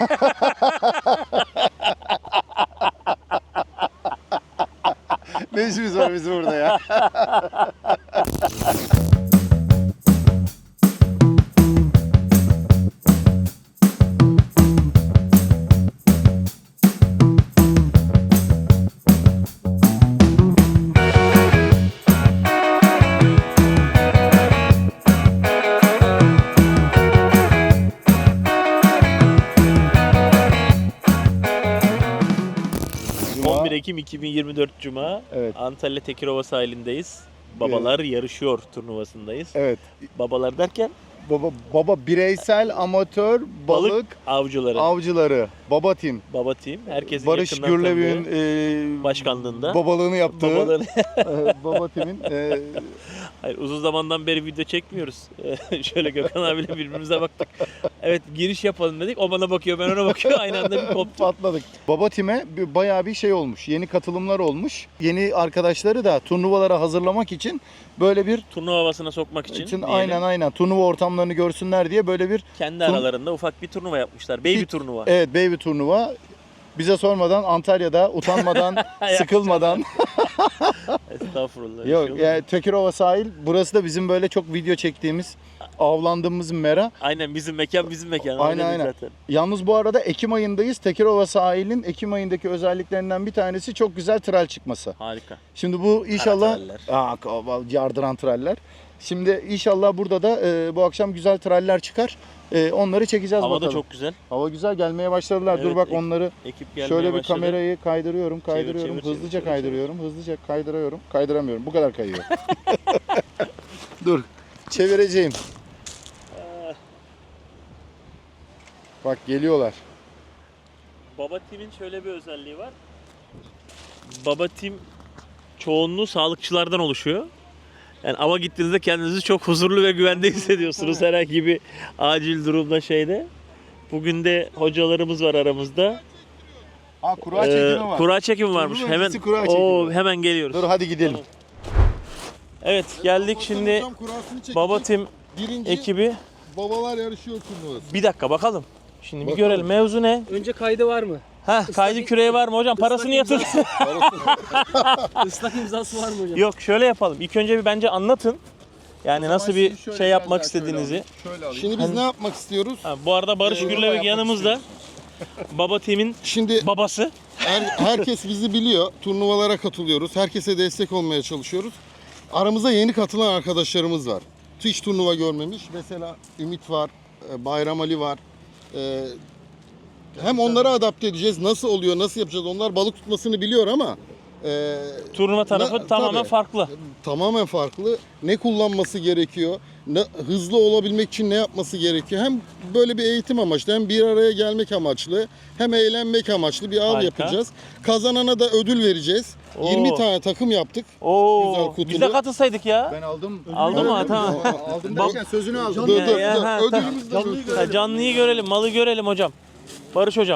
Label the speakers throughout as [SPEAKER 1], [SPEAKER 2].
[SPEAKER 1] Ne işimiz var bizim burada ya?
[SPEAKER 2] Ekim 2024 Cuma.
[SPEAKER 1] Evet.
[SPEAKER 2] Antalya Tekirova sahilindeyiz. Babalar yarışıyor turnuvasındayız.
[SPEAKER 1] Evet.
[SPEAKER 2] Babalar derken
[SPEAKER 1] Baba bireysel amatör balık avcıları. Baba Team.
[SPEAKER 2] Baba Team. Herkesin
[SPEAKER 1] Barış
[SPEAKER 2] yakından
[SPEAKER 1] Gürlev'in
[SPEAKER 2] başkanlığında
[SPEAKER 1] babalığını yaptığı
[SPEAKER 2] babaları.
[SPEAKER 1] Baba Team'in
[SPEAKER 2] Hayır, uzun zamandan beri video çekmiyoruz. Şöyle Gökhan abiyle birbirimize baktık. Evet, giriş yapalım dedik. O bana bakıyor, ben ona bakıyorum. Aynı anda bir koptuk.
[SPEAKER 1] patladık. Baba Team'e bayağı bir şey olmuş. Yeni katılımlar olmuş. Yeni arkadaşları da turnuvalara hazırlamak için böyle bir
[SPEAKER 2] Turnuva havasına sokmak için. diyelim.
[SPEAKER 1] aynen turnuva ortamlarını görsünler diye böyle bir
[SPEAKER 2] Kendi aralarında ufak bir turnuva yapmışlar. Baby turnuva.
[SPEAKER 1] evet baby turnuva. Bize sormadan Antalya'da utanmadan, sıkılmadan.
[SPEAKER 2] Estağfurullah.
[SPEAKER 1] Yok
[SPEAKER 2] Şey
[SPEAKER 1] yani Tekirova sahil. Burası da bizim böyle çok video çektiğimiz, avlandığımız mera.
[SPEAKER 2] Aynen bizim mekan.
[SPEAKER 1] Aynen.
[SPEAKER 2] Zaten.
[SPEAKER 1] Yalnız bu arada Ekim ayındayız. Tekirova sahilin Ekim ayındaki özelliklerinden bir tanesi çok güzel tral çıkması.
[SPEAKER 2] Harika.
[SPEAKER 1] Şimdi bu inşallah
[SPEAKER 2] Karatraller.
[SPEAKER 1] yardıran traller. Şimdi inşallah burada da bu akşam güzel traller çıkar. Onları çekeceğiz
[SPEAKER 2] Hava
[SPEAKER 1] bakalım.
[SPEAKER 2] da çok güzel.
[SPEAKER 1] Hava güzel, gelmeye başladılar.
[SPEAKER 2] Evet,
[SPEAKER 1] Dur bak onları
[SPEAKER 2] ekip gelmeye
[SPEAKER 1] şöyle bir
[SPEAKER 2] başladı.
[SPEAKER 1] kamerayı kaydırıyorum.
[SPEAKER 2] Çevir,
[SPEAKER 1] Hızlıca
[SPEAKER 2] çevir.
[SPEAKER 1] kaydırıyorum. Hızlıca kaydırıyorum. Kaydıramıyorum. Bu kadar kayıyor. Dur. Çevireceğim. Bak geliyorlar.
[SPEAKER 2] Baba Team'in şöyle bir özelliği var. Baba Team çoğunluğu sağlıkçılardan oluşuyor. Yani ava gittiğinizde kendinizi çok huzurlu ve güvende hissediyorsunuz herhangi bir acil durumda şeyde. Bugün de hocalarımız var aramızda.
[SPEAKER 1] Kura çekimi var.
[SPEAKER 2] Kura çekimi varmış.
[SPEAKER 1] Turnuva
[SPEAKER 2] Hemen
[SPEAKER 1] öncesi kura çekimi.
[SPEAKER 2] hemen geliyoruz.
[SPEAKER 1] Dur hadi gidelim.
[SPEAKER 2] Tamam. Evet geldik şimdi Baba Team
[SPEAKER 3] Birinci
[SPEAKER 2] ekibi.
[SPEAKER 3] babalar yarışıyor turnuvası.
[SPEAKER 2] Bir dakika bakalım. Şimdi bir
[SPEAKER 3] Bakalım.
[SPEAKER 2] görelim mevzu ne?
[SPEAKER 4] Önce kaydı var mı?
[SPEAKER 2] Kaydı küreği var mı hocam? Parasını yatır.
[SPEAKER 4] Islak imzası var mı hocam?
[SPEAKER 2] Yok şöyle yapalım. İlk önce bir bence anlatın. Yani nasıl bir
[SPEAKER 3] Şimdi şöyle
[SPEAKER 2] şey
[SPEAKER 3] biraz
[SPEAKER 2] yapmak
[SPEAKER 3] daha şöyle
[SPEAKER 2] istediğinizi.
[SPEAKER 3] alayım. Şöyle alayım. Şimdi biz ne yapmak istiyoruz?
[SPEAKER 2] Bu arada Barış Gürlevik
[SPEAKER 3] yapmak
[SPEAKER 2] yanımızda. Baba Team'in
[SPEAKER 3] Şimdi
[SPEAKER 2] babası.
[SPEAKER 3] herkes bizi biliyor. Turnuvalara katılıyoruz. Herkese destek olmaya çalışıyoruz. Aramızda yeni katılan arkadaşlarımız var. Hiç turnuva görmemiş. Mesela Ümit var, Bayram Ali var. Hem onları adapte edeceğiz. Nasıl oluyor, nasıl yapacağız? Onlar balık tutmasını biliyor ama
[SPEAKER 2] Turnuva tarafı tamamen
[SPEAKER 3] tabii.
[SPEAKER 2] farklı.
[SPEAKER 3] Tamamen farklı. Ne kullanması gerekiyor? Hızlı olabilmek için ne yapması gerekiyor? Hem böyle bir eğitim amaçlı, hem bir araya gelmek amaçlı, hem eğlenmek amaçlı bir av
[SPEAKER 2] Harika.
[SPEAKER 3] yapacağız. Kazanana da ödül vereceğiz.
[SPEAKER 2] Oo.
[SPEAKER 3] 20 tane takım yaptık. Güzel
[SPEAKER 2] Oo,
[SPEAKER 3] kutulu.
[SPEAKER 2] biz de katılsaydık ya.
[SPEAKER 1] Ben aldım.
[SPEAKER 2] Aldın mı? Tamam.
[SPEAKER 1] Aldım derken sözünü aldım.
[SPEAKER 3] Dur,
[SPEAKER 2] Ya,
[SPEAKER 3] ödülümüzü de gösterelim.
[SPEAKER 2] Canlıyı görelim, malı görelim hocam. Barış hocam.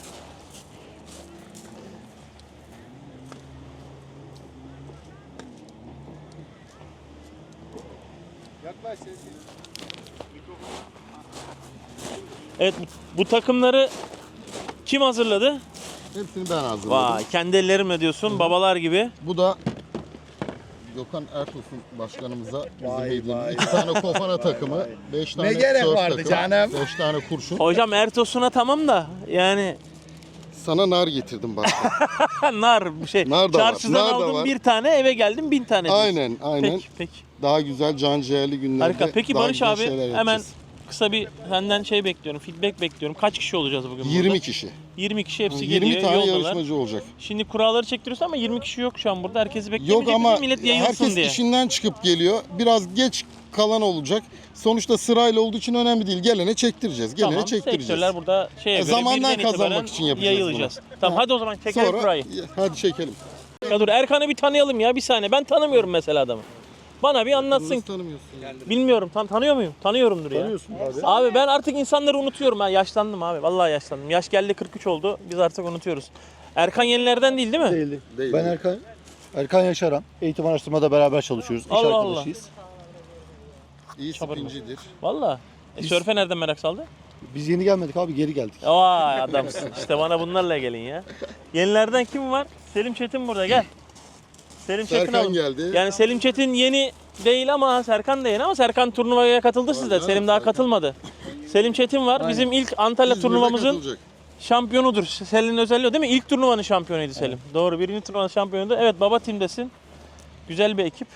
[SPEAKER 2] Evet, bu takımları kim hazırladı?
[SPEAKER 3] Hepsini ben hazırladım.
[SPEAKER 2] Vay, kendi ellerimle diyorsun, babalar gibi.
[SPEAKER 3] Bu da Gökhan Ertuğrul başkanımıza bizim hediyemiz. 2 tane kofana takımı, 5 tane
[SPEAKER 1] gerek
[SPEAKER 3] surf
[SPEAKER 1] vardı
[SPEAKER 3] takımı,
[SPEAKER 1] canım?
[SPEAKER 3] 5 tane kurşun.
[SPEAKER 2] Hocam Ertos'una tamam da yani
[SPEAKER 3] Sana nar getirdim başkan.
[SPEAKER 2] nar bir şey.
[SPEAKER 3] Nar da var,
[SPEAKER 2] Çarşıdan
[SPEAKER 3] nar da
[SPEAKER 2] aldım
[SPEAKER 3] var.
[SPEAKER 2] bir tane, eve geldim 1000 tane diyorsun.
[SPEAKER 3] Aynen.
[SPEAKER 2] Peki.
[SPEAKER 3] Daha güzel can ciğerli günlerde.
[SPEAKER 2] Harika. Peki
[SPEAKER 3] daha
[SPEAKER 2] Barış
[SPEAKER 3] güzel
[SPEAKER 2] abi
[SPEAKER 3] şeyler
[SPEAKER 2] hemen
[SPEAKER 3] yapacağız.
[SPEAKER 2] kısa bir senden şey bekliyorum, feedback bekliyorum. Kaç kişi olacağız bugün
[SPEAKER 3] 20
[SPEAKER 2] burada?
[SPEAKER 3] kişi.
[SPEAKER 2] 20 kişi hepsi
[SPEAKER 3] 20
[SPEAKER 2] geliyor,
[SPEAKER 3] tane
[SPEAKER 2] yoldalar.
[SPEAKER 3] yarışmacı olacak.
[SPEAKER 2] Şimdi kuralları çektiriyorsun ama 20 kişi yok şu an burada. Herkesi
[SPEAKER 3] Yok
[SPEAKER 2] beklemeyecek
[SPEAKER 3] ama
[SPEAKER 2] miyiz? Millet yayılsın
[SPEAKER 3] herkes
[SPEAKER 2] diye.
[SPEAKER 3] işinden çıkıp geliyor. Biraz geç kalan olacak. Sonuçta sırayla olduğu için önemli değil. Gelene çektireceğiz. Gelene
[SPEAKER 2] Tamam,
[SPEAKER 3] çektireceğiz.
[SPEAKER 2] sektörler burada şeye göre
[SPEAKER 3] Zamandan
[SPEAKER 2] birden itibaren
[SPEAKER 3] kazanmak için yapacağız
[SPEAKER 2] yayılacağız. Tamam hadi o zaman çekelim
[SPEAKER 3] Sonra
[SPEAKER 2] kurayı.
[SPEAKER 3] hadi çekelim.
[SPEAKER 2] Ya dur Erkan'ı bir tanıyalım ya bir saniye. Ben tanımıyorum mesela adamı. Bana bir anlatsın.
[SPEAKER 3] Nasıl tanımıyorsun?
[SPEAKER 2] Bilmiyorum. Tanıyor muyum? Tanıyorumdur ya.
[SPEAKER 1] Tanıyorsun abi.
[SPEAKER 2] Abi ben artık insanları unutuyorum. Ben yaşlandım abi. Vallahi yaşlandım. Yaş geldi 43 oldu. Biz artık unutuyoruz. Erkan yenilerden değil mi?
[SPEAKER 5] Değildi.
[SPEAKER 3] Değil.
[SPEAKER 5] Ben Erkan Yaşaran. Eğitim araştırmada beraber çalışıyoruz. İş
[SPEAKER 2] Allah
[SPEAKER 5] arkadaşıyız.
[SPEAKER 3] İyi
[SPEAKER 2] Çabarma.
[SPEAKER 3] spincidir.
[SPEAKER 2] Vallahi. Sörfe nereden merak saldı?
[SPEAKER 5] Biz yeni gelmedik abi, geri geldik.
[SPEAKER 2] Vay adamsın. İşte bana bunlarla gelin ya. Yenilerden kim var? Selim Çetin burada, gel. Selim Çetin
[SPEAKER 3] Serkan
[SPEAKER 2] alın.
[SPEAKER 3] geldi.
[SPEAKER 2] Yani Selim Çetin yeni değil ama Serkan da yeni, ama Serkan turnuvaya katıldı sizde.
[SPEAKER 3] canım,
[SPEAKER 2] Selim daha
[SPEAKER 3] Serkan.
[SPEAKER 2] katılmadı. Selim Çetin var. Bizim ilk Antalya
[SPEAKER 3] İzmir'de
[SPEAKER 2] turnuvamızın
[SPEAKER 3] katılacak.
[SPEAKER 2] şampiyonudur. Selin'in özelliği o değil mi? İlk turnuvanın şampiyonuydu Selim. Doğru, birinci turnuvanın şampiyonuydu. Evet, baba timdesin. Güzel bir ekip.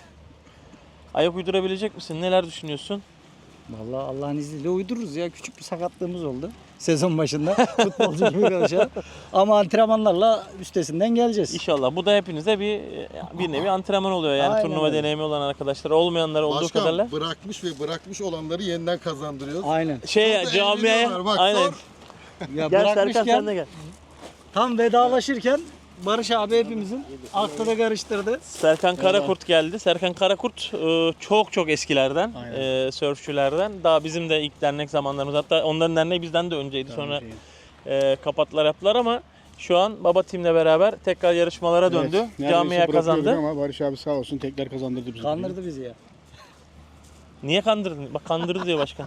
[SPEAKER 2] Ayak uydurabilecek misin? Neler düşünüyorsun?
[SPEAKER 6] Vallahi Allah'ın izniyle uydururuz ya. Küçük bir sakatlığımız oldu sezon başında. Futbolcu gibi konuşalım. Ama antrenmanlarla üstesinden geleceğiz.
[SPEAKER 2] İnşallah. Bu da hepinize bir nevi antrenman oluyor. Yani
[SPEAKER 6] Aynen
[SPEAKER 2] turnuva
[SPEAKER 6] öyle.
[SPEAKER 2] deneyimi olan arkadaşlar, olmayanlar olduğu
[SPEAKER 3] Başkan
[SPEAKER 2] kadarıyla.
[SPEAKER 3] bırakmış ve bırakmış olanları yeniden kazandırıyoruz.
[SPEAKER 6] Aynen.
[SPEAKER 2] Şey
[SPEAKER 3] Burada
[SPEAKER 2] camiaya
[SPEAKER 3] evleniyorlar, bak,
[SPEAKER 2] aynen.
[SPEAKER 3] sor.
[SPEAKER 6] Ya
[SPEAKER 2] Gel Serkan, sen
[SPEAKER 6] bırakmışken
[SPEAKER 2] de gel.
[SPEAKER 6] tam vedalaşırken Barış abi hepimizin aklını karıştırdı.
[SPEAKER 2] Serkan Karakurt geldi. Serkan Karakurt çok eskilerden, sörfçülerden. Daha bizim de ilk dernek zamanlarımız. Hatta onların derneği bizden de önceydi. Sonra kapattılar yaptılar ama şu an baba timle beraber tekrar yarışmalara döndü.
[SPEAKER 7] Neredeyse
[SPEAKER 2] Camiye
[SPEAKER 7] bırakıyorduk
[SPEAKER 2] kazandı.
[SPEAKER 7] Ama Barış abi sağ olsun tekrar kazandırdı bizi.
[SPEAKER 6] Kandırdı bizi ya.
[SPEAKER 2] Niye kandırdın? Bak kandırdı diyor başkan.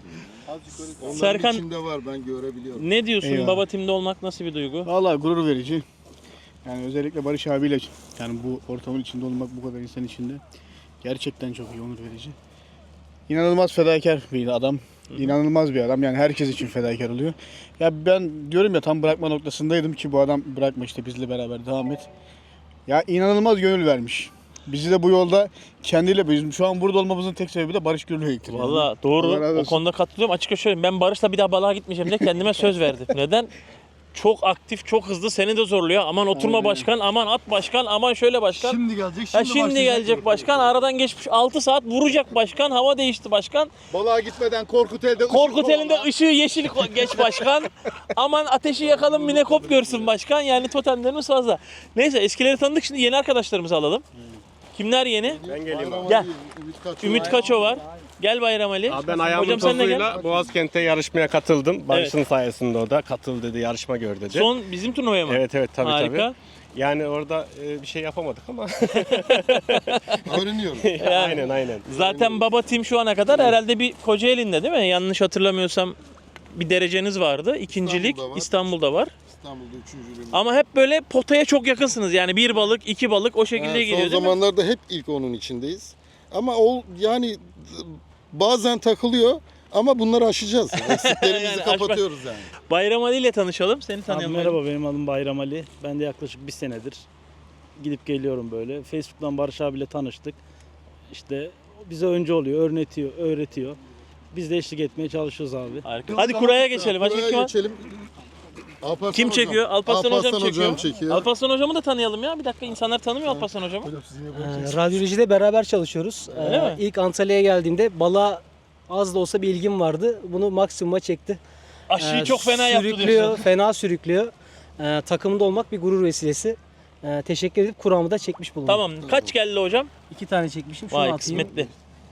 [SPEAKER 3] Onların
[SPEAKER 2] Serkan-
[SPEAKER 3] içinde var, ben görebiliyorum.
[SPEAKER 2] Ne diyorsun?
[SPEAKER 7] Eyvallah.
[SPEAKER 2] Baba timde olmak nasıl bir duygu?
[SPEAKER 7] Vallahi gurur verici. Yani özellikle Barış abiyle yani bu ortamın içinde olmak, bu kadar insan içinde gerçekten çok iyi, onur verici. İnanılmaz fedakar bir adam. İnanılmaz bir adam. Yani herkes için fedakar oluyor. Ya ben diyorum ya, tam bırakma noktasındaydım ki bu adam bırakma, işte bizle beraber devam et. Ya inanılmaz gönül vermiş. Bizi de bu yolda kendiyle, bizim şu an burada olmamızın tek sebebi de Barış Gürlü'ydür. Yani.
[SPEAKER 2] Valla doğru.
[SPEAKER 7] Allah razı
[SPEAKER 2] O
[SPEAKER 7] olsun.
[SPEAKER 2] konuda katılıyorum. Açıkça söyleyeyim. Ben Barış'la bir daha balığa gitmeyeceğim diye kendime söz verdim. Neden? Çok aktif, çok hızlı, seni de zorluyor. Aman oturma
[SPEAKER 7] Aynen.
[SPEAKER 2] başkan, aman at başkan, aman şöyle başkan.
[SPEAKER 5] Şimdi gelecek,
[SPEAKER 2] Ha, şimdi gelecek başkan. Aradan geçmiş 6 saat vuracak başkan. Hava değişti başkan.
[SPEAKER 3] Balığa gitmeden Korkut elde
[SPEAKER 2] Korkut elinde ışığı yeşil geç başkan. Aman ateşi yakalım, minekop görsün başkan. Yani totemlerimiz fazla. Neyse, eskileri tanıdık, şimdi yeni arkadaşlarımızı alalım. Kimler yeni?
[SPEAKER 3] Ben geleyim abi.
[SPEAKER 2] Gel. Ümit Kaço var. Gel Bayram Ali.
[SPEAKER 8] Abi ben ayağımın
[SPEAKER 2] Hocam sen de gel.
[SPEAKER 8] tozuyla Boğazkent'te yarışmaya katıldım. Barış'ın sayesinde o da katıl dedi, yarışma gör dedi.
[SPEAKER 2] Son bizim turnuvaya mı?
[SPEAKER 8] Evet tabii
[SPEAKER 2] Harika.
[SPEAKER 8] tabii. Yani orada bir şey yapamadık ama.
[SPEAKER 3] Öğreniyorum.
[SPEAKER 8] aynen.
[SPEAKER 2] Zaten baba tim şu ana kadar herhalde bir Kocaeli'nde değil mi? Yanlış hatırlamıyorsam bir dereceniz vardı. İkincilik
[SPEAKER 3] İstanbul'da var.
[SPEAKER 2] İstanbul'da var.
[SPEAKER 3] İstanbul'da üçüncülüğüm.
[SPEAKER 2] Ama hep böyle potaya çok yakınsınız. Yani bir balık, iki balık o şekilde
[SPEAKER 3] Son
[SPEAKER 2] geliyor değil mi?
[SPEAKER 3] zamanlarda hep ilk onun içindeyiz. Ama yani bazen takılıyor ama bunları aşacağız. Eksiklerimizi
[SPEAKER 2] Yani aşmak-
[SPEAKER 3] kapatıyoruz yani.
[SPEAKER 2] Bayram Ali ile tanışalım. Seni
[SPEAKER 9] Abi
[SPEAKER 2] tanıyalım.
[SPEAKER 9] merhaba, benim adım Bayram Ali. Ben de yaklaşık bir senedir gidip geliyorum böyle. Facebook'tan Barış abiyle tanıştık. İşte bize önce oluyor, öğretiyor. Biz de eşlik etmeye çalışıyoruz abi.
[SPEAKER 2] Harika. Hadi kuraya geçelim. Başka
[SPEAKER 3] Buraya
[SPEAKER 2] kim var?
[SPEAKER 3] geçelim. Alparslan
[SPEAKER 2] Kim
[SPEAKER 3] hocam.
[SPEAKER 2] çekiyor? Alparslan hocam çekiyor.
[SPEAKER 3] çekiyor.
[SPEAKER 2] Alparslan hocamı da tanıyalım ya. Bir dakika, insanlar tanımıyor Alparslan hocamı.
[SPEAKER 4] Radyolojide beraber çalışıyoruz.
[SPEAKER 2] Öyle mi?
[SPEAKER 4] İlk Antalya'ya geldiğimde balığa az da olsa bir ilgim vardı. Bunu maksimuma çekti.
[SPEAKER 2] Aşıyı çok fena yaptı
[SPEAKER 4] Sürüklüyor,
[SPEAKER 2] diyorsun.
[SPEAKER 4] fena sürüklüyor. Takımda olmak bir gurur vesilesi. Teşekkür edip kuramı da çekmiş bulundum.
[SPEAKER 2] Tamam. Kaç geldi hocam?
[SPEAKER 4] 2 tane çekmişim. Şunu
[SPEAKER 2] Vay
[SPEAKER 4] atayım.
[SPEAKER 2] kısmetli.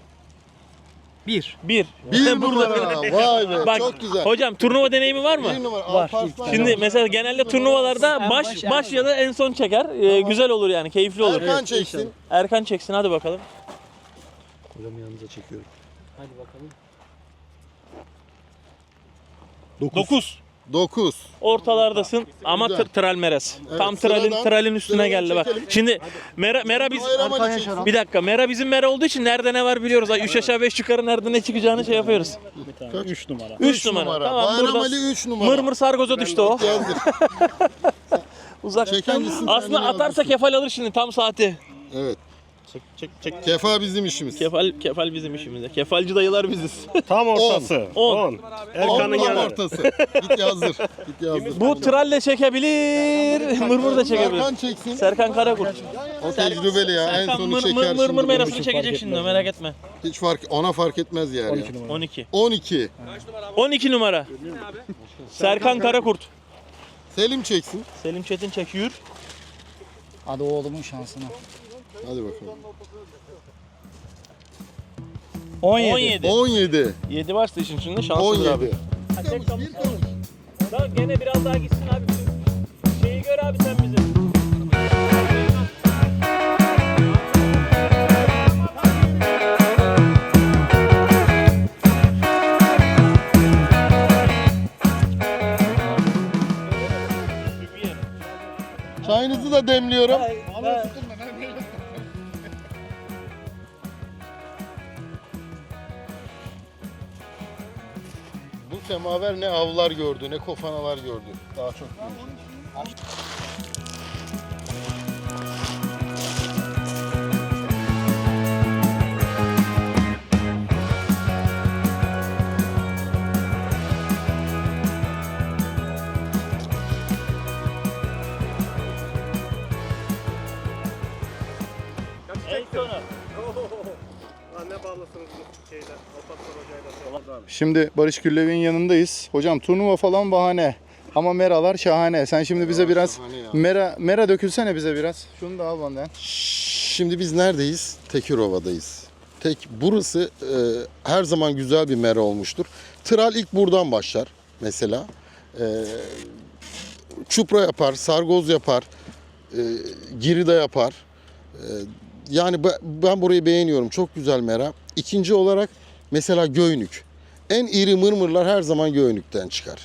[SPEAKER 4] 1.
[SPEAKER 2] Bir.
[SPEAKER 3] Bir numara. Vay be.
[SPEAKER 2] Bak,
[SPEAKER 3] çok güzel.
[SPEAKER 2] Hocam turnuva deneyimi var mı?
[SPEAKER 3] Bir numara.
[SPEAKER 4] Var.
[SPEAKER 3] Alparslan
[SPEAKER 2] Şimdi
[SPEAKER 3] ya.
[SPEAKER 2] mesela genelde turnuvalarda
[SPEAKER 4] En
[SPEAKER 2] baş
[SPEAKER 4] baş,
[SPEAKER 2] ya da en son çeker. Güzel olur yani, keyifli olur.
[SPEAKER 3] Erkan çeksin.
[SPEAKER 2] Erkan çeksin, hadi bakalım.
[SPEAKER 5] Hocam yanınıza çekiyorum.
[SPEAKER 4] Hadi bakalım.
[SPEAKER 2] 9.
[SPEAKER 3] 9.
[SPEAKER 2] Ortalardasın ama
[SPEAKER 3] Güzel.
[SPEAKER 2] tralmeres.
[SPEAKER 3] Evet,
[SPEAKER 2] Tam
[SPEAKER 3] sıradan-
[SPEAKER 2] tralin üstüne
[SPEAKER 3] sıradan
[SPEAKER 2] geldi bak.
[SPEAKER 3] çekelim.
[SPEAKER 2] Şimdi Mera biz
[SPEAKER 3] Bayram Ali çeksin.
[SPEAKER 2] bir dakika, Mera bizim Mera olduğu için nerede ne var biliyoruz. 3 aşağı 5 yukarı nerede ne çıkacağını şey yapıyoruz.
[SPEAKER 9] 3 numara.
[SPEAKER 2] 3 numara. Tamam,
[SPEAKER 3] Bayram
[SPEAKER 2] burada
[SPEAKER 3] Ali 3 numara.
[SPEAKER 2] mırmır sargoza düştü o.
[SPEAKER 3] Yazdır.
[SPEAKER 2] Uzak.
[SPEAKER 3] Çeken gitsin,
[SPEAKER 2] Aslında
[SPEAKER 3] kendini
[SPEAKER 2] atarsa
[SPEAKER 3] yazdırsın.
[SPEAKER 2] kefal alır şimdi tam saati.
[SPEAKER 3] Evet.
[SPEAKER 8] Çek.
[SPEAKER 3] Kefa bizim işimiz.
[SPEAKER 2] Kefal bizim işimizde. Kefalci dayılar biziz.
[SPEAKER 8] Tam ortası.
[SPEAKER 2] 10.
[SPEAKER 8] 10. Erkan'ın
[SPEAKER 3] Tam
[SPEAKER 8] yanı.
[SPEAKER 3] ortası. Git yazdır. Git yazdır.
[SPEAKER 2] Bu tralle çekebilir, mırmır da çekebilir.
[SPEAKER 3] Serkan çeksin.
[SPEAKER 2] Serkan Karakurt.
[SPEAKER 3] O tecrübeli ya. En
[SPEAKER 2] Serkan
[SPEAKER 3] sonu çeker
[SPEAKER 2] mırmır
[SPEAKER 3] şimdi.
[SPEAKER 2] merasını çekecek şimdi, merak etme.
[SPEAKER 3] Hiç ona fark etmez yani.
[SPEAKER 2] 12.
[SPEAKER 3] 12.
[SPEAKER 2] 12 numara. Serkan Karakurt.
[SPEAKER 3] Selim çeksin.
[SPEAKER 2] Selim Çetin çekiyor.
[SPEAKER 6] Hadi oğlumun şansına.
[SPEAKER 3] Hadi bakalım.
[SPEAKER 2] 17.
[SPEAKER 3] 17.
[SPEAKER 2] 7 varsa işin içinde şanssız abi.
[SPEAKER 3] 17.
[SPEAKER 2] Daha gene biraz daha gitsin abi. Şeyi gör abi sen bize.
[SPEAKER 3] da demliyorum. Bu semaver ne avlar gördü, ne kofanalar gördü. Daha çok.
[SPEAKER 1] Şimdi Barış Gürlev'in yanındayız. Hocam turnuva falan bahane. Ama meralar şahane. Sen şimdi bize biraz
[SPEAKER 3] şahane ya.
[SPEAKER 1] mera dökülsene bize biraz. Şunu da al benden.
[SPEAKER 3] Şimdi biz neredeyiz? Tekirova'dayız. Burası her zaman güzel bir mera olmuştur. Tral ilk buradan başlar mesela. Çupra yapar, sargoz yapar, girida yapar. Yani ben burayı beğeniyorum. Çok güzel mera. İkinci olarak mesela Göynük. En iri mırmırlar her zaman Göynük'ten çıkar.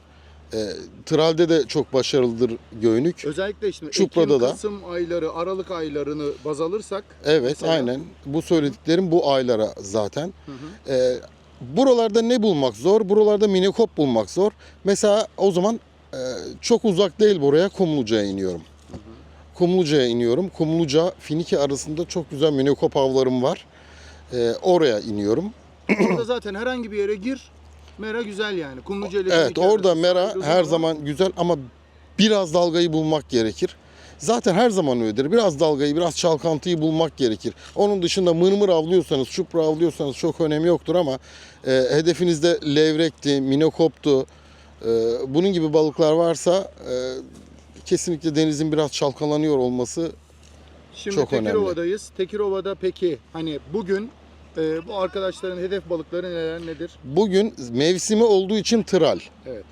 [SPEAKER 3] Tral'de de çok başarılıdır Göynük.
[SPEAKER 1] Özellikle işte
[SPEAKER 3] Çupra'da
[SPEAKER 1] Ekim,
[SPEAKER 3] da.
[SPEAKER 1] Kasım ayları, Aralık aylarını baz alırsak.
[SPEAKER 3] Evet,
[SPEAKER 1] mesela.
[SPEAKER 3] aynen. Bu söylediklerim bu aylara zaten. Buralarda ne bulmak zor? Buralarda minekop bulmak zor. Mesela o zaman çok uzak değil buraya, Kumluca'ya iniyorum. Kumluca'ya iniyorum. Kumluca, Finike arasında çok güzel minekop avlarım var. Oraya iniyorum.
[SPEAKER 1] Orada zaten herhangi bir yere gir. Mera güzel yani. Kumluca ile
[SPEAKER 3] Evet,
[SPEAKER 1] Finike
[SPEAKER 3] orada
[SPEAKER 1] arası
[SPEAKER 3] mera
[SPEAKER 1] sargılı
[SPEAKER 3] her
[SPEAKER 1] var.
[SPEAKER 3] zaman güzel ama biraz dalgayı bulmak gerekir. Zaten her zaman öyledir. Biraz dalgayı, biraz çalkantıyı bulmak gerekir. Onun dışında mırmır avlıyorsanız, çupra avlıyorsanız çok önemi yoktur ama hedefinizde levrekti, minekoptu, bunun gibi balıklar varsa kesinlikle denizin biraz çalkalanıyor olması
[SPEAKER 1] Şimdi
[SPEAKER 3] çok önemli.
[SPEAKER 1] Tekirova'dayız. Tekirova'da peki hani bugün bu arkadaşların hedef balıkları nedir?
[SPEAKER 3] bugün mevsimi olduğu için tral.
[SPEAKER 1] Evet.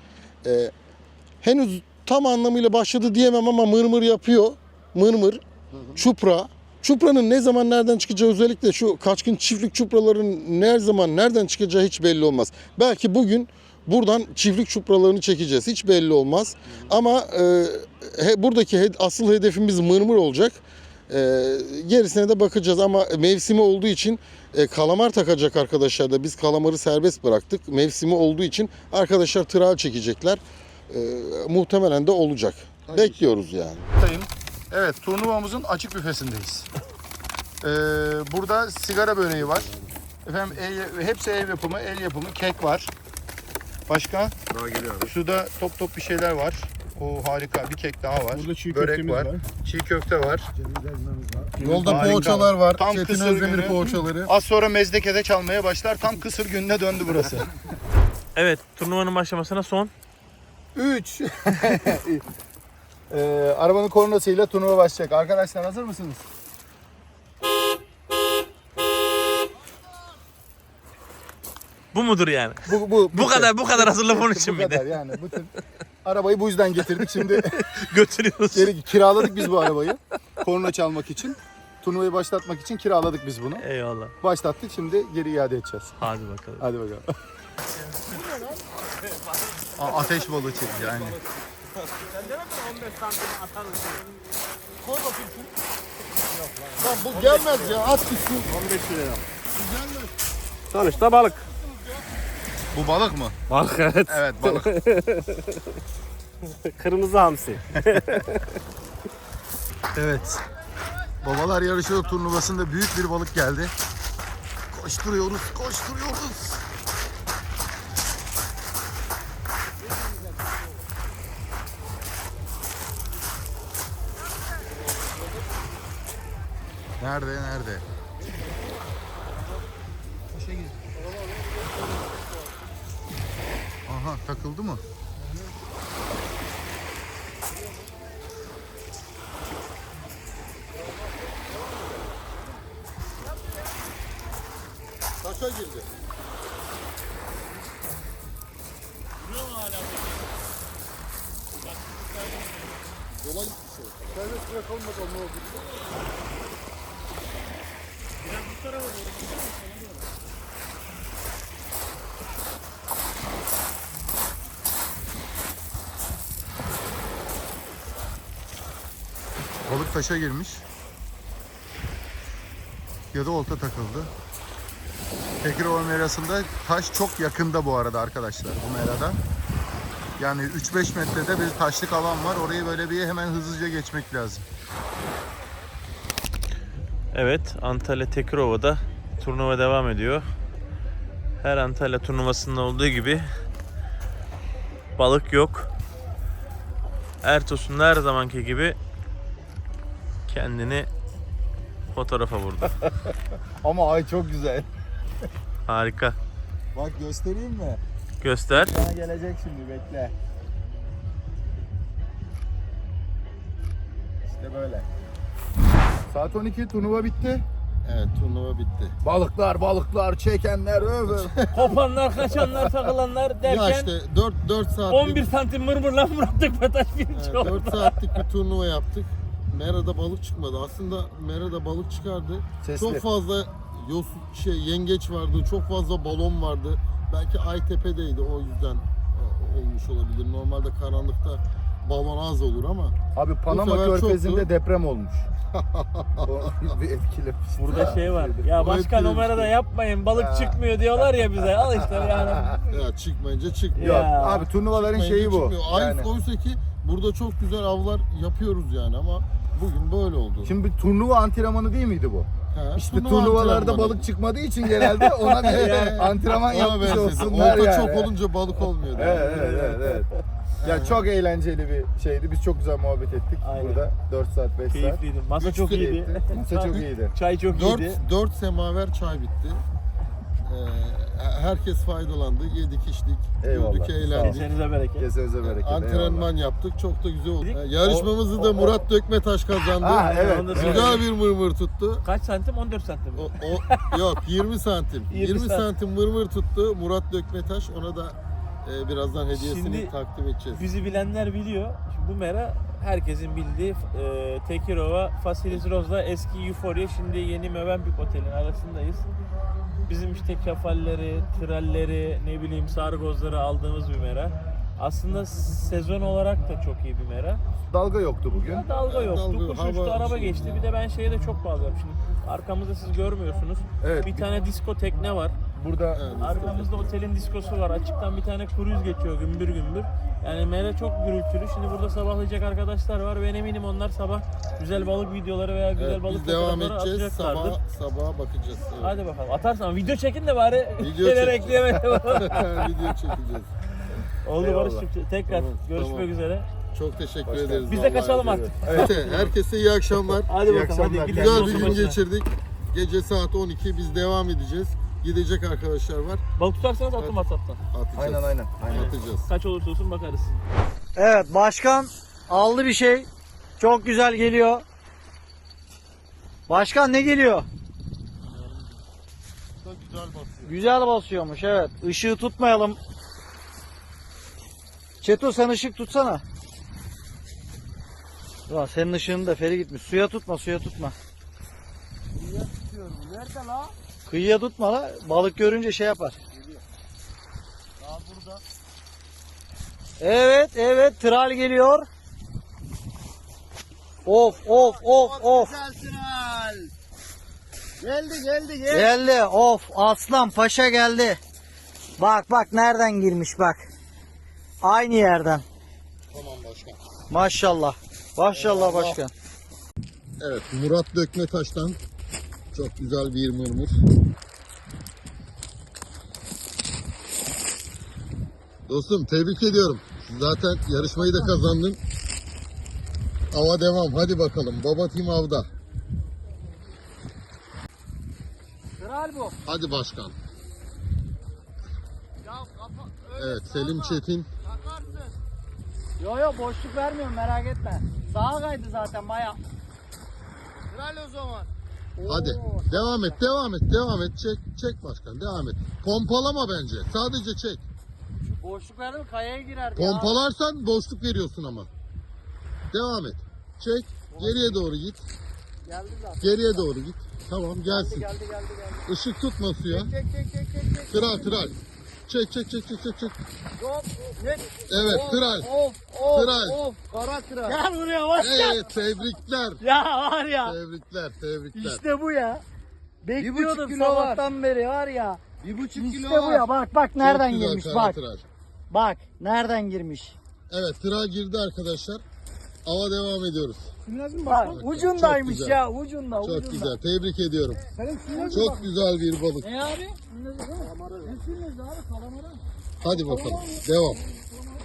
[SPEAKER 3] Henüz tam anlamıyla başladı diyemem ama mırmır yapıyor. Mırmır, çupra. Çupra'nın ne zaman nereden çıkacağı, özellikle şu kaçkın çiftlik çupraların ne zaman nereden çıkacağı hiç belli olmaz. Belki bugün buradan çiftlik çupralarını çekeceğiz. Hiç belli olmaz. Ama buradaki asıl hedefimiz mırmır olacak. Gerisine de bakacağız ama mevsimi olduğu için kalamar takacak arkadaşlar da biz kalamarı serbest bıraktık. Mevsimi olduğu için arkadaşlar tral çekecekler. Muhtemelen de olacak. Bekliyoruz yani.
[SPEAKER 1] Evet, turnuvamızın açık büfesindeyiz. Burada sigara böreği var. Efendim hepsi ev yapımı, el yapımı kek var. Başka?
[SPEAKER 3] Daha geliyor abi.
[SPEAKER 1] Şurada top top bir şeyler var. O harika bir kek daha var.
[SPEAKER 7] Burada çiğ
[SPEAKER 1] Börek
[SPEAKER 7] köftemiz
[SPEAKER 1] var.
[SPEAKER 7] var.
[SPEAKER 1] Çiğ köfte var.
[SPEAKER 3] Yolda
[SPEAKER 1] Harika.
[SPEAKER 3] poğaçalar var.
[SPEAKER 1] Tam
[SPEAKER 3] Çetin
[SPEAKER 1] kısır
[SPEAKER 3] Özdemir
[SPEAKER 1] günü.
[SPEAKER 3] poğaçaları.
[SPEAKER 1] Az sonra Mezdeke'de çalmaya başlar. Tam kısır gününe döndü burası.
[SPEAKER 2] Evet, turnuvanın başlamasına son
[SPEAKER 1] 3. Arabanın kornasıyla turnuva başlayacak. Arkadaşlar hazır mısınız?
[SPEAKER 2] bu mudur yani?
[SPEAKER 1] Bu
[SPEAKER 2] Bu kadar hazırlık onun için
[SPEAKER 1] bu
[SPEAKER 2] miydi?
[SPEAKER 1] kadar yani. Bütün arabayı bu yüzden getirdik. Şimdi
[SPEAKER 2] Götürüyoruz.
[SPEAKER 1] kiraladık biz bu arabayı. Korna çalmak için. Turnuvayı başlatmak için kiraladık biz bunu.
[SPEAKER 2] Eyvallah.
[SPEAKER 1] Başlattık, şimdi geri iade edeceğiz.
[SPEAKER 2] Hadi bakalım.
[SPEAKER 1] Hadi bakalım. Ateş balığı çekti yani.
[SPEAKER 3] Lan bu gelmez ya. At gitsin.
[SPEAKER 8] 15 lira. Sonuçta balık.
[SPEAKER 1] Bu balık mı?
[SPEAKER 8] Balık evet.
[SPEAKER 1] Evet, balık.
[SPEAKER 8] Kırmızı hamsi.
[SPEAKER 1] Evet. Babalar Yarışı turnuvasında büyük bir balık geldi. Koşturuyoruz, koşturuyoruz. Nerede? Aha, takıldı mı?
[SPEAKER 3] Taşa girdi. Yola gitmiş o. Serbest bırakalım bakalım ne oldu.
[SPEAKER 1] Balık taşa girmiş. Ya da olta takıldı. Tekirova merasında taş çok yakında bu arada arkadaşlar, bu merada. Yani 3-5 metrede bir taşlık alan var. Orayı böyle bir hemen hızlıca geçmek lazım.
[SPEAKER 2] Evet, Antalya Tekirova'da turnuva devam ediyor. Her Antalya turnuvasında olduğu gibi balık yok. Ertosun her zamanki gibi kendini fotoğrafa vurdu.
[SPEAKER 1] Ama ay çok güzel.
[SPEAKER 2] Harika.
[SPEAKER 1] Bak göstereyim mi?
[SPEAKER 2] Göster.
[SPEAKER 1] Sana gelecek şimdi, bekle. İşte böyle. Saat 12 turnuva bitti.
[SPEAKER 3] Evet, turnuva bitti.
[SPEAKER 1] Balıklar, çekenler över.
[SPEAKER 2] Kopanlar, kaçanlar, takılanlar
[SPEAKER 3] Ya
[SPEAKER 2] derken
[SPEAKER 3] işte 4 saatlik
[SPEAKER 2] 11 santim mırmırla bıraktık ve taş birinci oldu.
[SPEAKER 3] 4 saatlik bir turnuva yaptık. Merada balık çıkmadı. Aslında Merada balık çıkardı.
[SPEAKER 1] Sesli.
[SPEAKER 3] Çok fazla yengeç vardı, çok fazla balon vardı. Belki Aytepe'deydi, o yüzden olmuş olabilir. Normalde karanlıkta balon az olur ama
[SPEAKER 1] Abi Panama
[SPEAKER 3] sefer
[SPEAKER 1] Körfezi'nde
[SPEAKER 3] çoktu.
[SPEAKER 1] deprem olmuş. O bir etkilemiş.
[SPEAKER 2] Burada şey var. Ya
[SPEAKER 3] O
[SPEAKER 2] başka
[SPEAKER 3] etkilemiş.
[SPEAKER 2] numarada yapmayın. Balık çıkmıyor diyorlar ya bize. Al işte yani.
[SPEAKER 3] ya çıkmayınca çıkmıyor.
[SPEAKER 1] Yok
[SPEAKER 2] Ya.
[SPEAKER 1] abi, turnuvaların
[SPEAKER 3] Çıkmayınca
[SPEAKER 1] şeyi bu.
[SPEAKER 3] çıkmıyor.
[SPEAKER 1] Yani.
[SPEAKER 3] Oysa ki burada çok güzel avlar yapıyoruz yani ama bugün böyle oldu.
[SPEAKER 1] Şimdi bir turnuva antrenmanı değil miydi bu?
[SPEAKER 3] Ha,
[SPEAKER 1] İşte
[SPEAKER 3] turnuva
[SPEAKER 1] turnuvalarda
[SPEAKER 3] antrenmanı.
[SPEAKER 1] balık çıkmadığı için genelde ona bir antrenman
[SPEAKER 3] Ona
[SPEAKER 1] yapmış
[SPEAKER 3] benzedi.
[SPEAKER 1] olsunlar
[SPEAKER 3] Olta
[SPEAKER 1] yani.
[SPEAKER 3] çok olunca balık olmuyor.
[SPEAKER 1] Evet. Ya çok eğlenceli bir şeydi. Biz çok güzel muhabbet ettik
[SPEAKER 2] Aynen.
[SPEAKER 1] burada. 4 saat, 5 saat.
[SPEAKER 2] Keyifliydi. Masa çok iyiydi.
[SPEAKER 1] Masa çok iyiydi.
[SPEAKER 2] Çay çok iyiydi.
[SPEAKER 3] 4 semaver çay bitti. Herkes faydalandı. Yedik, içtik,
[SPEAKER 1] Eyvallah,
[SPEAKER 3] güldük,
[SPEAKER 1] sağ ol.
[SPEAKER 3] eğlendik.
[SPEAKER 2] Kesenize bereket.
[SPEAKER 1] Kesenize bereket.
[SPEAKER 3] Antrenman yaptık. Çok da güzel oldu. Yarışmamızı da Murat Dökmetaş kazandı.
[SPEAKER 1] Ha, evet.
[SPEAKER 2] Onu da
[SPEAKER 3] Güzel bir mırmır tuttu.
[SPEAKER 2] Kaç santim? 14 santim.
[SPEAKER 3] Yok 20 santim.
[SPEAKER 2] 20
[SPEAKER 3] santim mırmır tuttu Murat Dökmetaş. Ona da birazdan hediyesini
[SPEAKER 2] Şimdi
[SPEAKER 3] takdim edeceğiz.
[SPEAKER 2] Bizi bilenler biliyor. Şimdi bu mera herkesin bildiği Tekirova, Facilis Rose'la eski Euphoria, şimdi yeni Mövenpick Otel'in arasındayız. Bizim işte kefalleri, tralleri, ne bileyim sargozları aldığımız bir mera. Aslında sezon olarak da çok iyi bir mera.
[SPEAKER 1] Dalga yoktu bugün.
[SPEAKER 2] Dalga yoktu,
[SPEAKER 3] Dalga,
[SPEAKER 2] kuş
[SPEAKER 3] hava
[SPEAKER 2] uçtu, araba
[SPEAKER 3] şey
[SPEAKER 2] geçti.
[SPEAKER 3] ya.
[SPEAKER 2] Bir de ben şeye de çok bağlıyorum. Şimdi arkamızda siz görmüyorsunuz.
[SPEAKER 1] Evet.
[SPEAKER 2] Bir tane disko tekne var.
[SPEAKER 1] Burada
[SPEAKER 2] Arkamızda otelin diskosu var. Açıktan bir tane kruz geçiyor gümbür gümbür. Yani mera çok gürültülü. Şimdi burada sabahlayacak arkadaşlar var. Ben eminim onlar sabah güzel balık videoları veya güzel balık
[SPEAKER 3] Biz devam
[SPEAKER 2] fotoğrafları
[SPEAKER 3] edeceğiz.
[SPEAKER 2] atacaklardır.
[SPEAKER 3] Sabaha bakacağız. Evet.
[SPEAKER 2] Hadi bakalım. Atarsan video çekin de bari
[SPEAKER 3] Video
[SPEAKER 2] şeyler
[SPEAKER 3] çek.
[SPEAKER 2] ekleyemeye
[SPEAKER 3] Video çekeceğiz.
[SPEAKER 2] Oldu
[SPEAKER 1] Eyvallah.
[SPEAKER 2] Barış'cığım. Tekrar
[SPEAKER 3] Tamam,
[SPEAKER 2] görüşmek
[SPEAKER 3] tamam.
[SPEAKER 2] üzere.
[SPEAKER 3] Çok teşekkür
[SPEAKER 1] Hoş geldin.
[SPEAKER 3] ederiz.
[SPEAKER 2] Biz de
[SPEAKER 3] vallahi.
[SPEAKER 2] kaçalım artık.
[SPEAKER 3] Herkese iyi akşamlar.
[SPEAKER 2] Hadi
[SPEAKER 1] İyi
[SPEAKER 2] bakalım.
[SPEAKER 1] akşamlar.
[SPEAKER 2] Hadi gidelim.
[SPEAKER 3] Güzel bir
[SPEAKER 2] Olsun
[SPEAKER 3] gün
[SPEAKER 2] başına.
[SPEAKER 3] geçirdik. Gece saat 12 biz devam edeceğiz. Gidecek arkadaşlar var.
[SPEAKER 2] Balık tutarsanız atın WhatsApp'tan.
[SPEAKER 3] Atacağız.
[SPEAKER 1] aynen.
[SPEAKER 3] Atacağız.
[SPEAKER 2] Kaç olursa olsun bakarız.
[SPEAKER 6] Evet, başkan aldı bir şey. Çok güzel geliyor. Başkan ne geliyor?
[SPEAKER 3] Güzel basıyor.
[SPEAKER 6] Güzel basıyormuş, evet. Işığı tutmayalım. Çeto sen ışık tutsana. Ulan senin ışığın da feri gitmiş. Suya tutma.
[SPEAKER 2] Nerede la?
[SPEAKER 6] Kıyıya tutma la. Balık görünce şey yapar.
[SPEAKER 2] Daha burada.
[SPEAKER 6] Evet, tral geliyor. Of.
[SPEAKER 2] Geldi.
[SPEAKER 6] Geldi. Of, aslan paşa geldi. Bak nereden girmiş bak. Aynı yerden.
[SPEAKER 3] Tamam başkan.
[SPEAKER 6] Maşallah. Maşallah başkan.
[SPEAKER 3] Evet, Murat Dökmetaş'tan çok güzel bir mırmır. Dostum tebrik ediyorum. Zaten yarışmayı da kazandın. Ava devam. Hadi bakalım. Baba Tim avda.
[SPEAKER 6] Kral bu.
[SPEAKER 3] Hadi başkan. Evet, Selim Çetin.
[SPEAKER 6] Yo boşluk vermiyorum, merak etme. Sağa kaydı zaten baya. Kral o zaman.
[SPEAKER 3] Hadi. Devam et. Çek başkan. Devam et. Pompalama bence. Sadece çek.
[SPEAKER 6] Boşluk verdim, kayaya girer.
[SPEAKER 3] Pompalarsan boşluk veriyorsun ama. Devam et. Çek. Geriye doğru git.
[SPEAKER 6] Geldi zaten.
[SPEAKER 3] Geriye doğru git. Tamam gelsin.
[SPEAKER 6] Geldi.
[SPEAKER 3] Işık tutma suya.
[SPEAKER 6] Çek.
[SPEAKER 3] Kral. Çek. Evet kral. Kral.
[SPEAKER 6] Kara kral. Gel buraya bak.
[SPEAKER 3] Evet tebrikler.
[SPEAKER 6] Ya var ya.
[SPEAKER 3] Tebrikler.
[SPEAKER 6] İşte bu ya.
[SPEAKER 3] 1,5
[SPEAKER 6] Bekliyordum
[SPEAKER 3] kilo var.
[SPEAKER 6] sabahtan beri var ya.
[SPEAKER 3] 1,5
[SPEAKER 6] İşte
[SPEAKER 3] kilo
[SPEAKER 6] bu
[SPEAKER 3] var.
[SPEAKER 6] ya. Bak nereden
[SPEAKER 3] Çok güzel
[SPEAKER 6] girmiş
[SPEAKER 3] kara
[SPEAKER 6] bak.
[SPEAKER 3] tıraş.
[SPEAKER 6] Bak nereden girmiş.
[SPEAKER 3] Evet tırağa girdi arkadaşlar. Ava devam ediyoruz.
[SPEAKER 6] Bak ucundaymış
[SPEAKER 3] Çok güzel.
[SPEAKER 6] ya ucunda.
[SPEAKER 3] Çok
[SPEAKER 6] ucunda.
[SPEAKER 3] güzel. Tebrik ediyorum. Çok güzel bir balık.
[SPEAKER 6] Ne abi? Ne sürmüyoruz abi? Kalamara.
[SPEAKER 3] Hadi bakalım. Devam.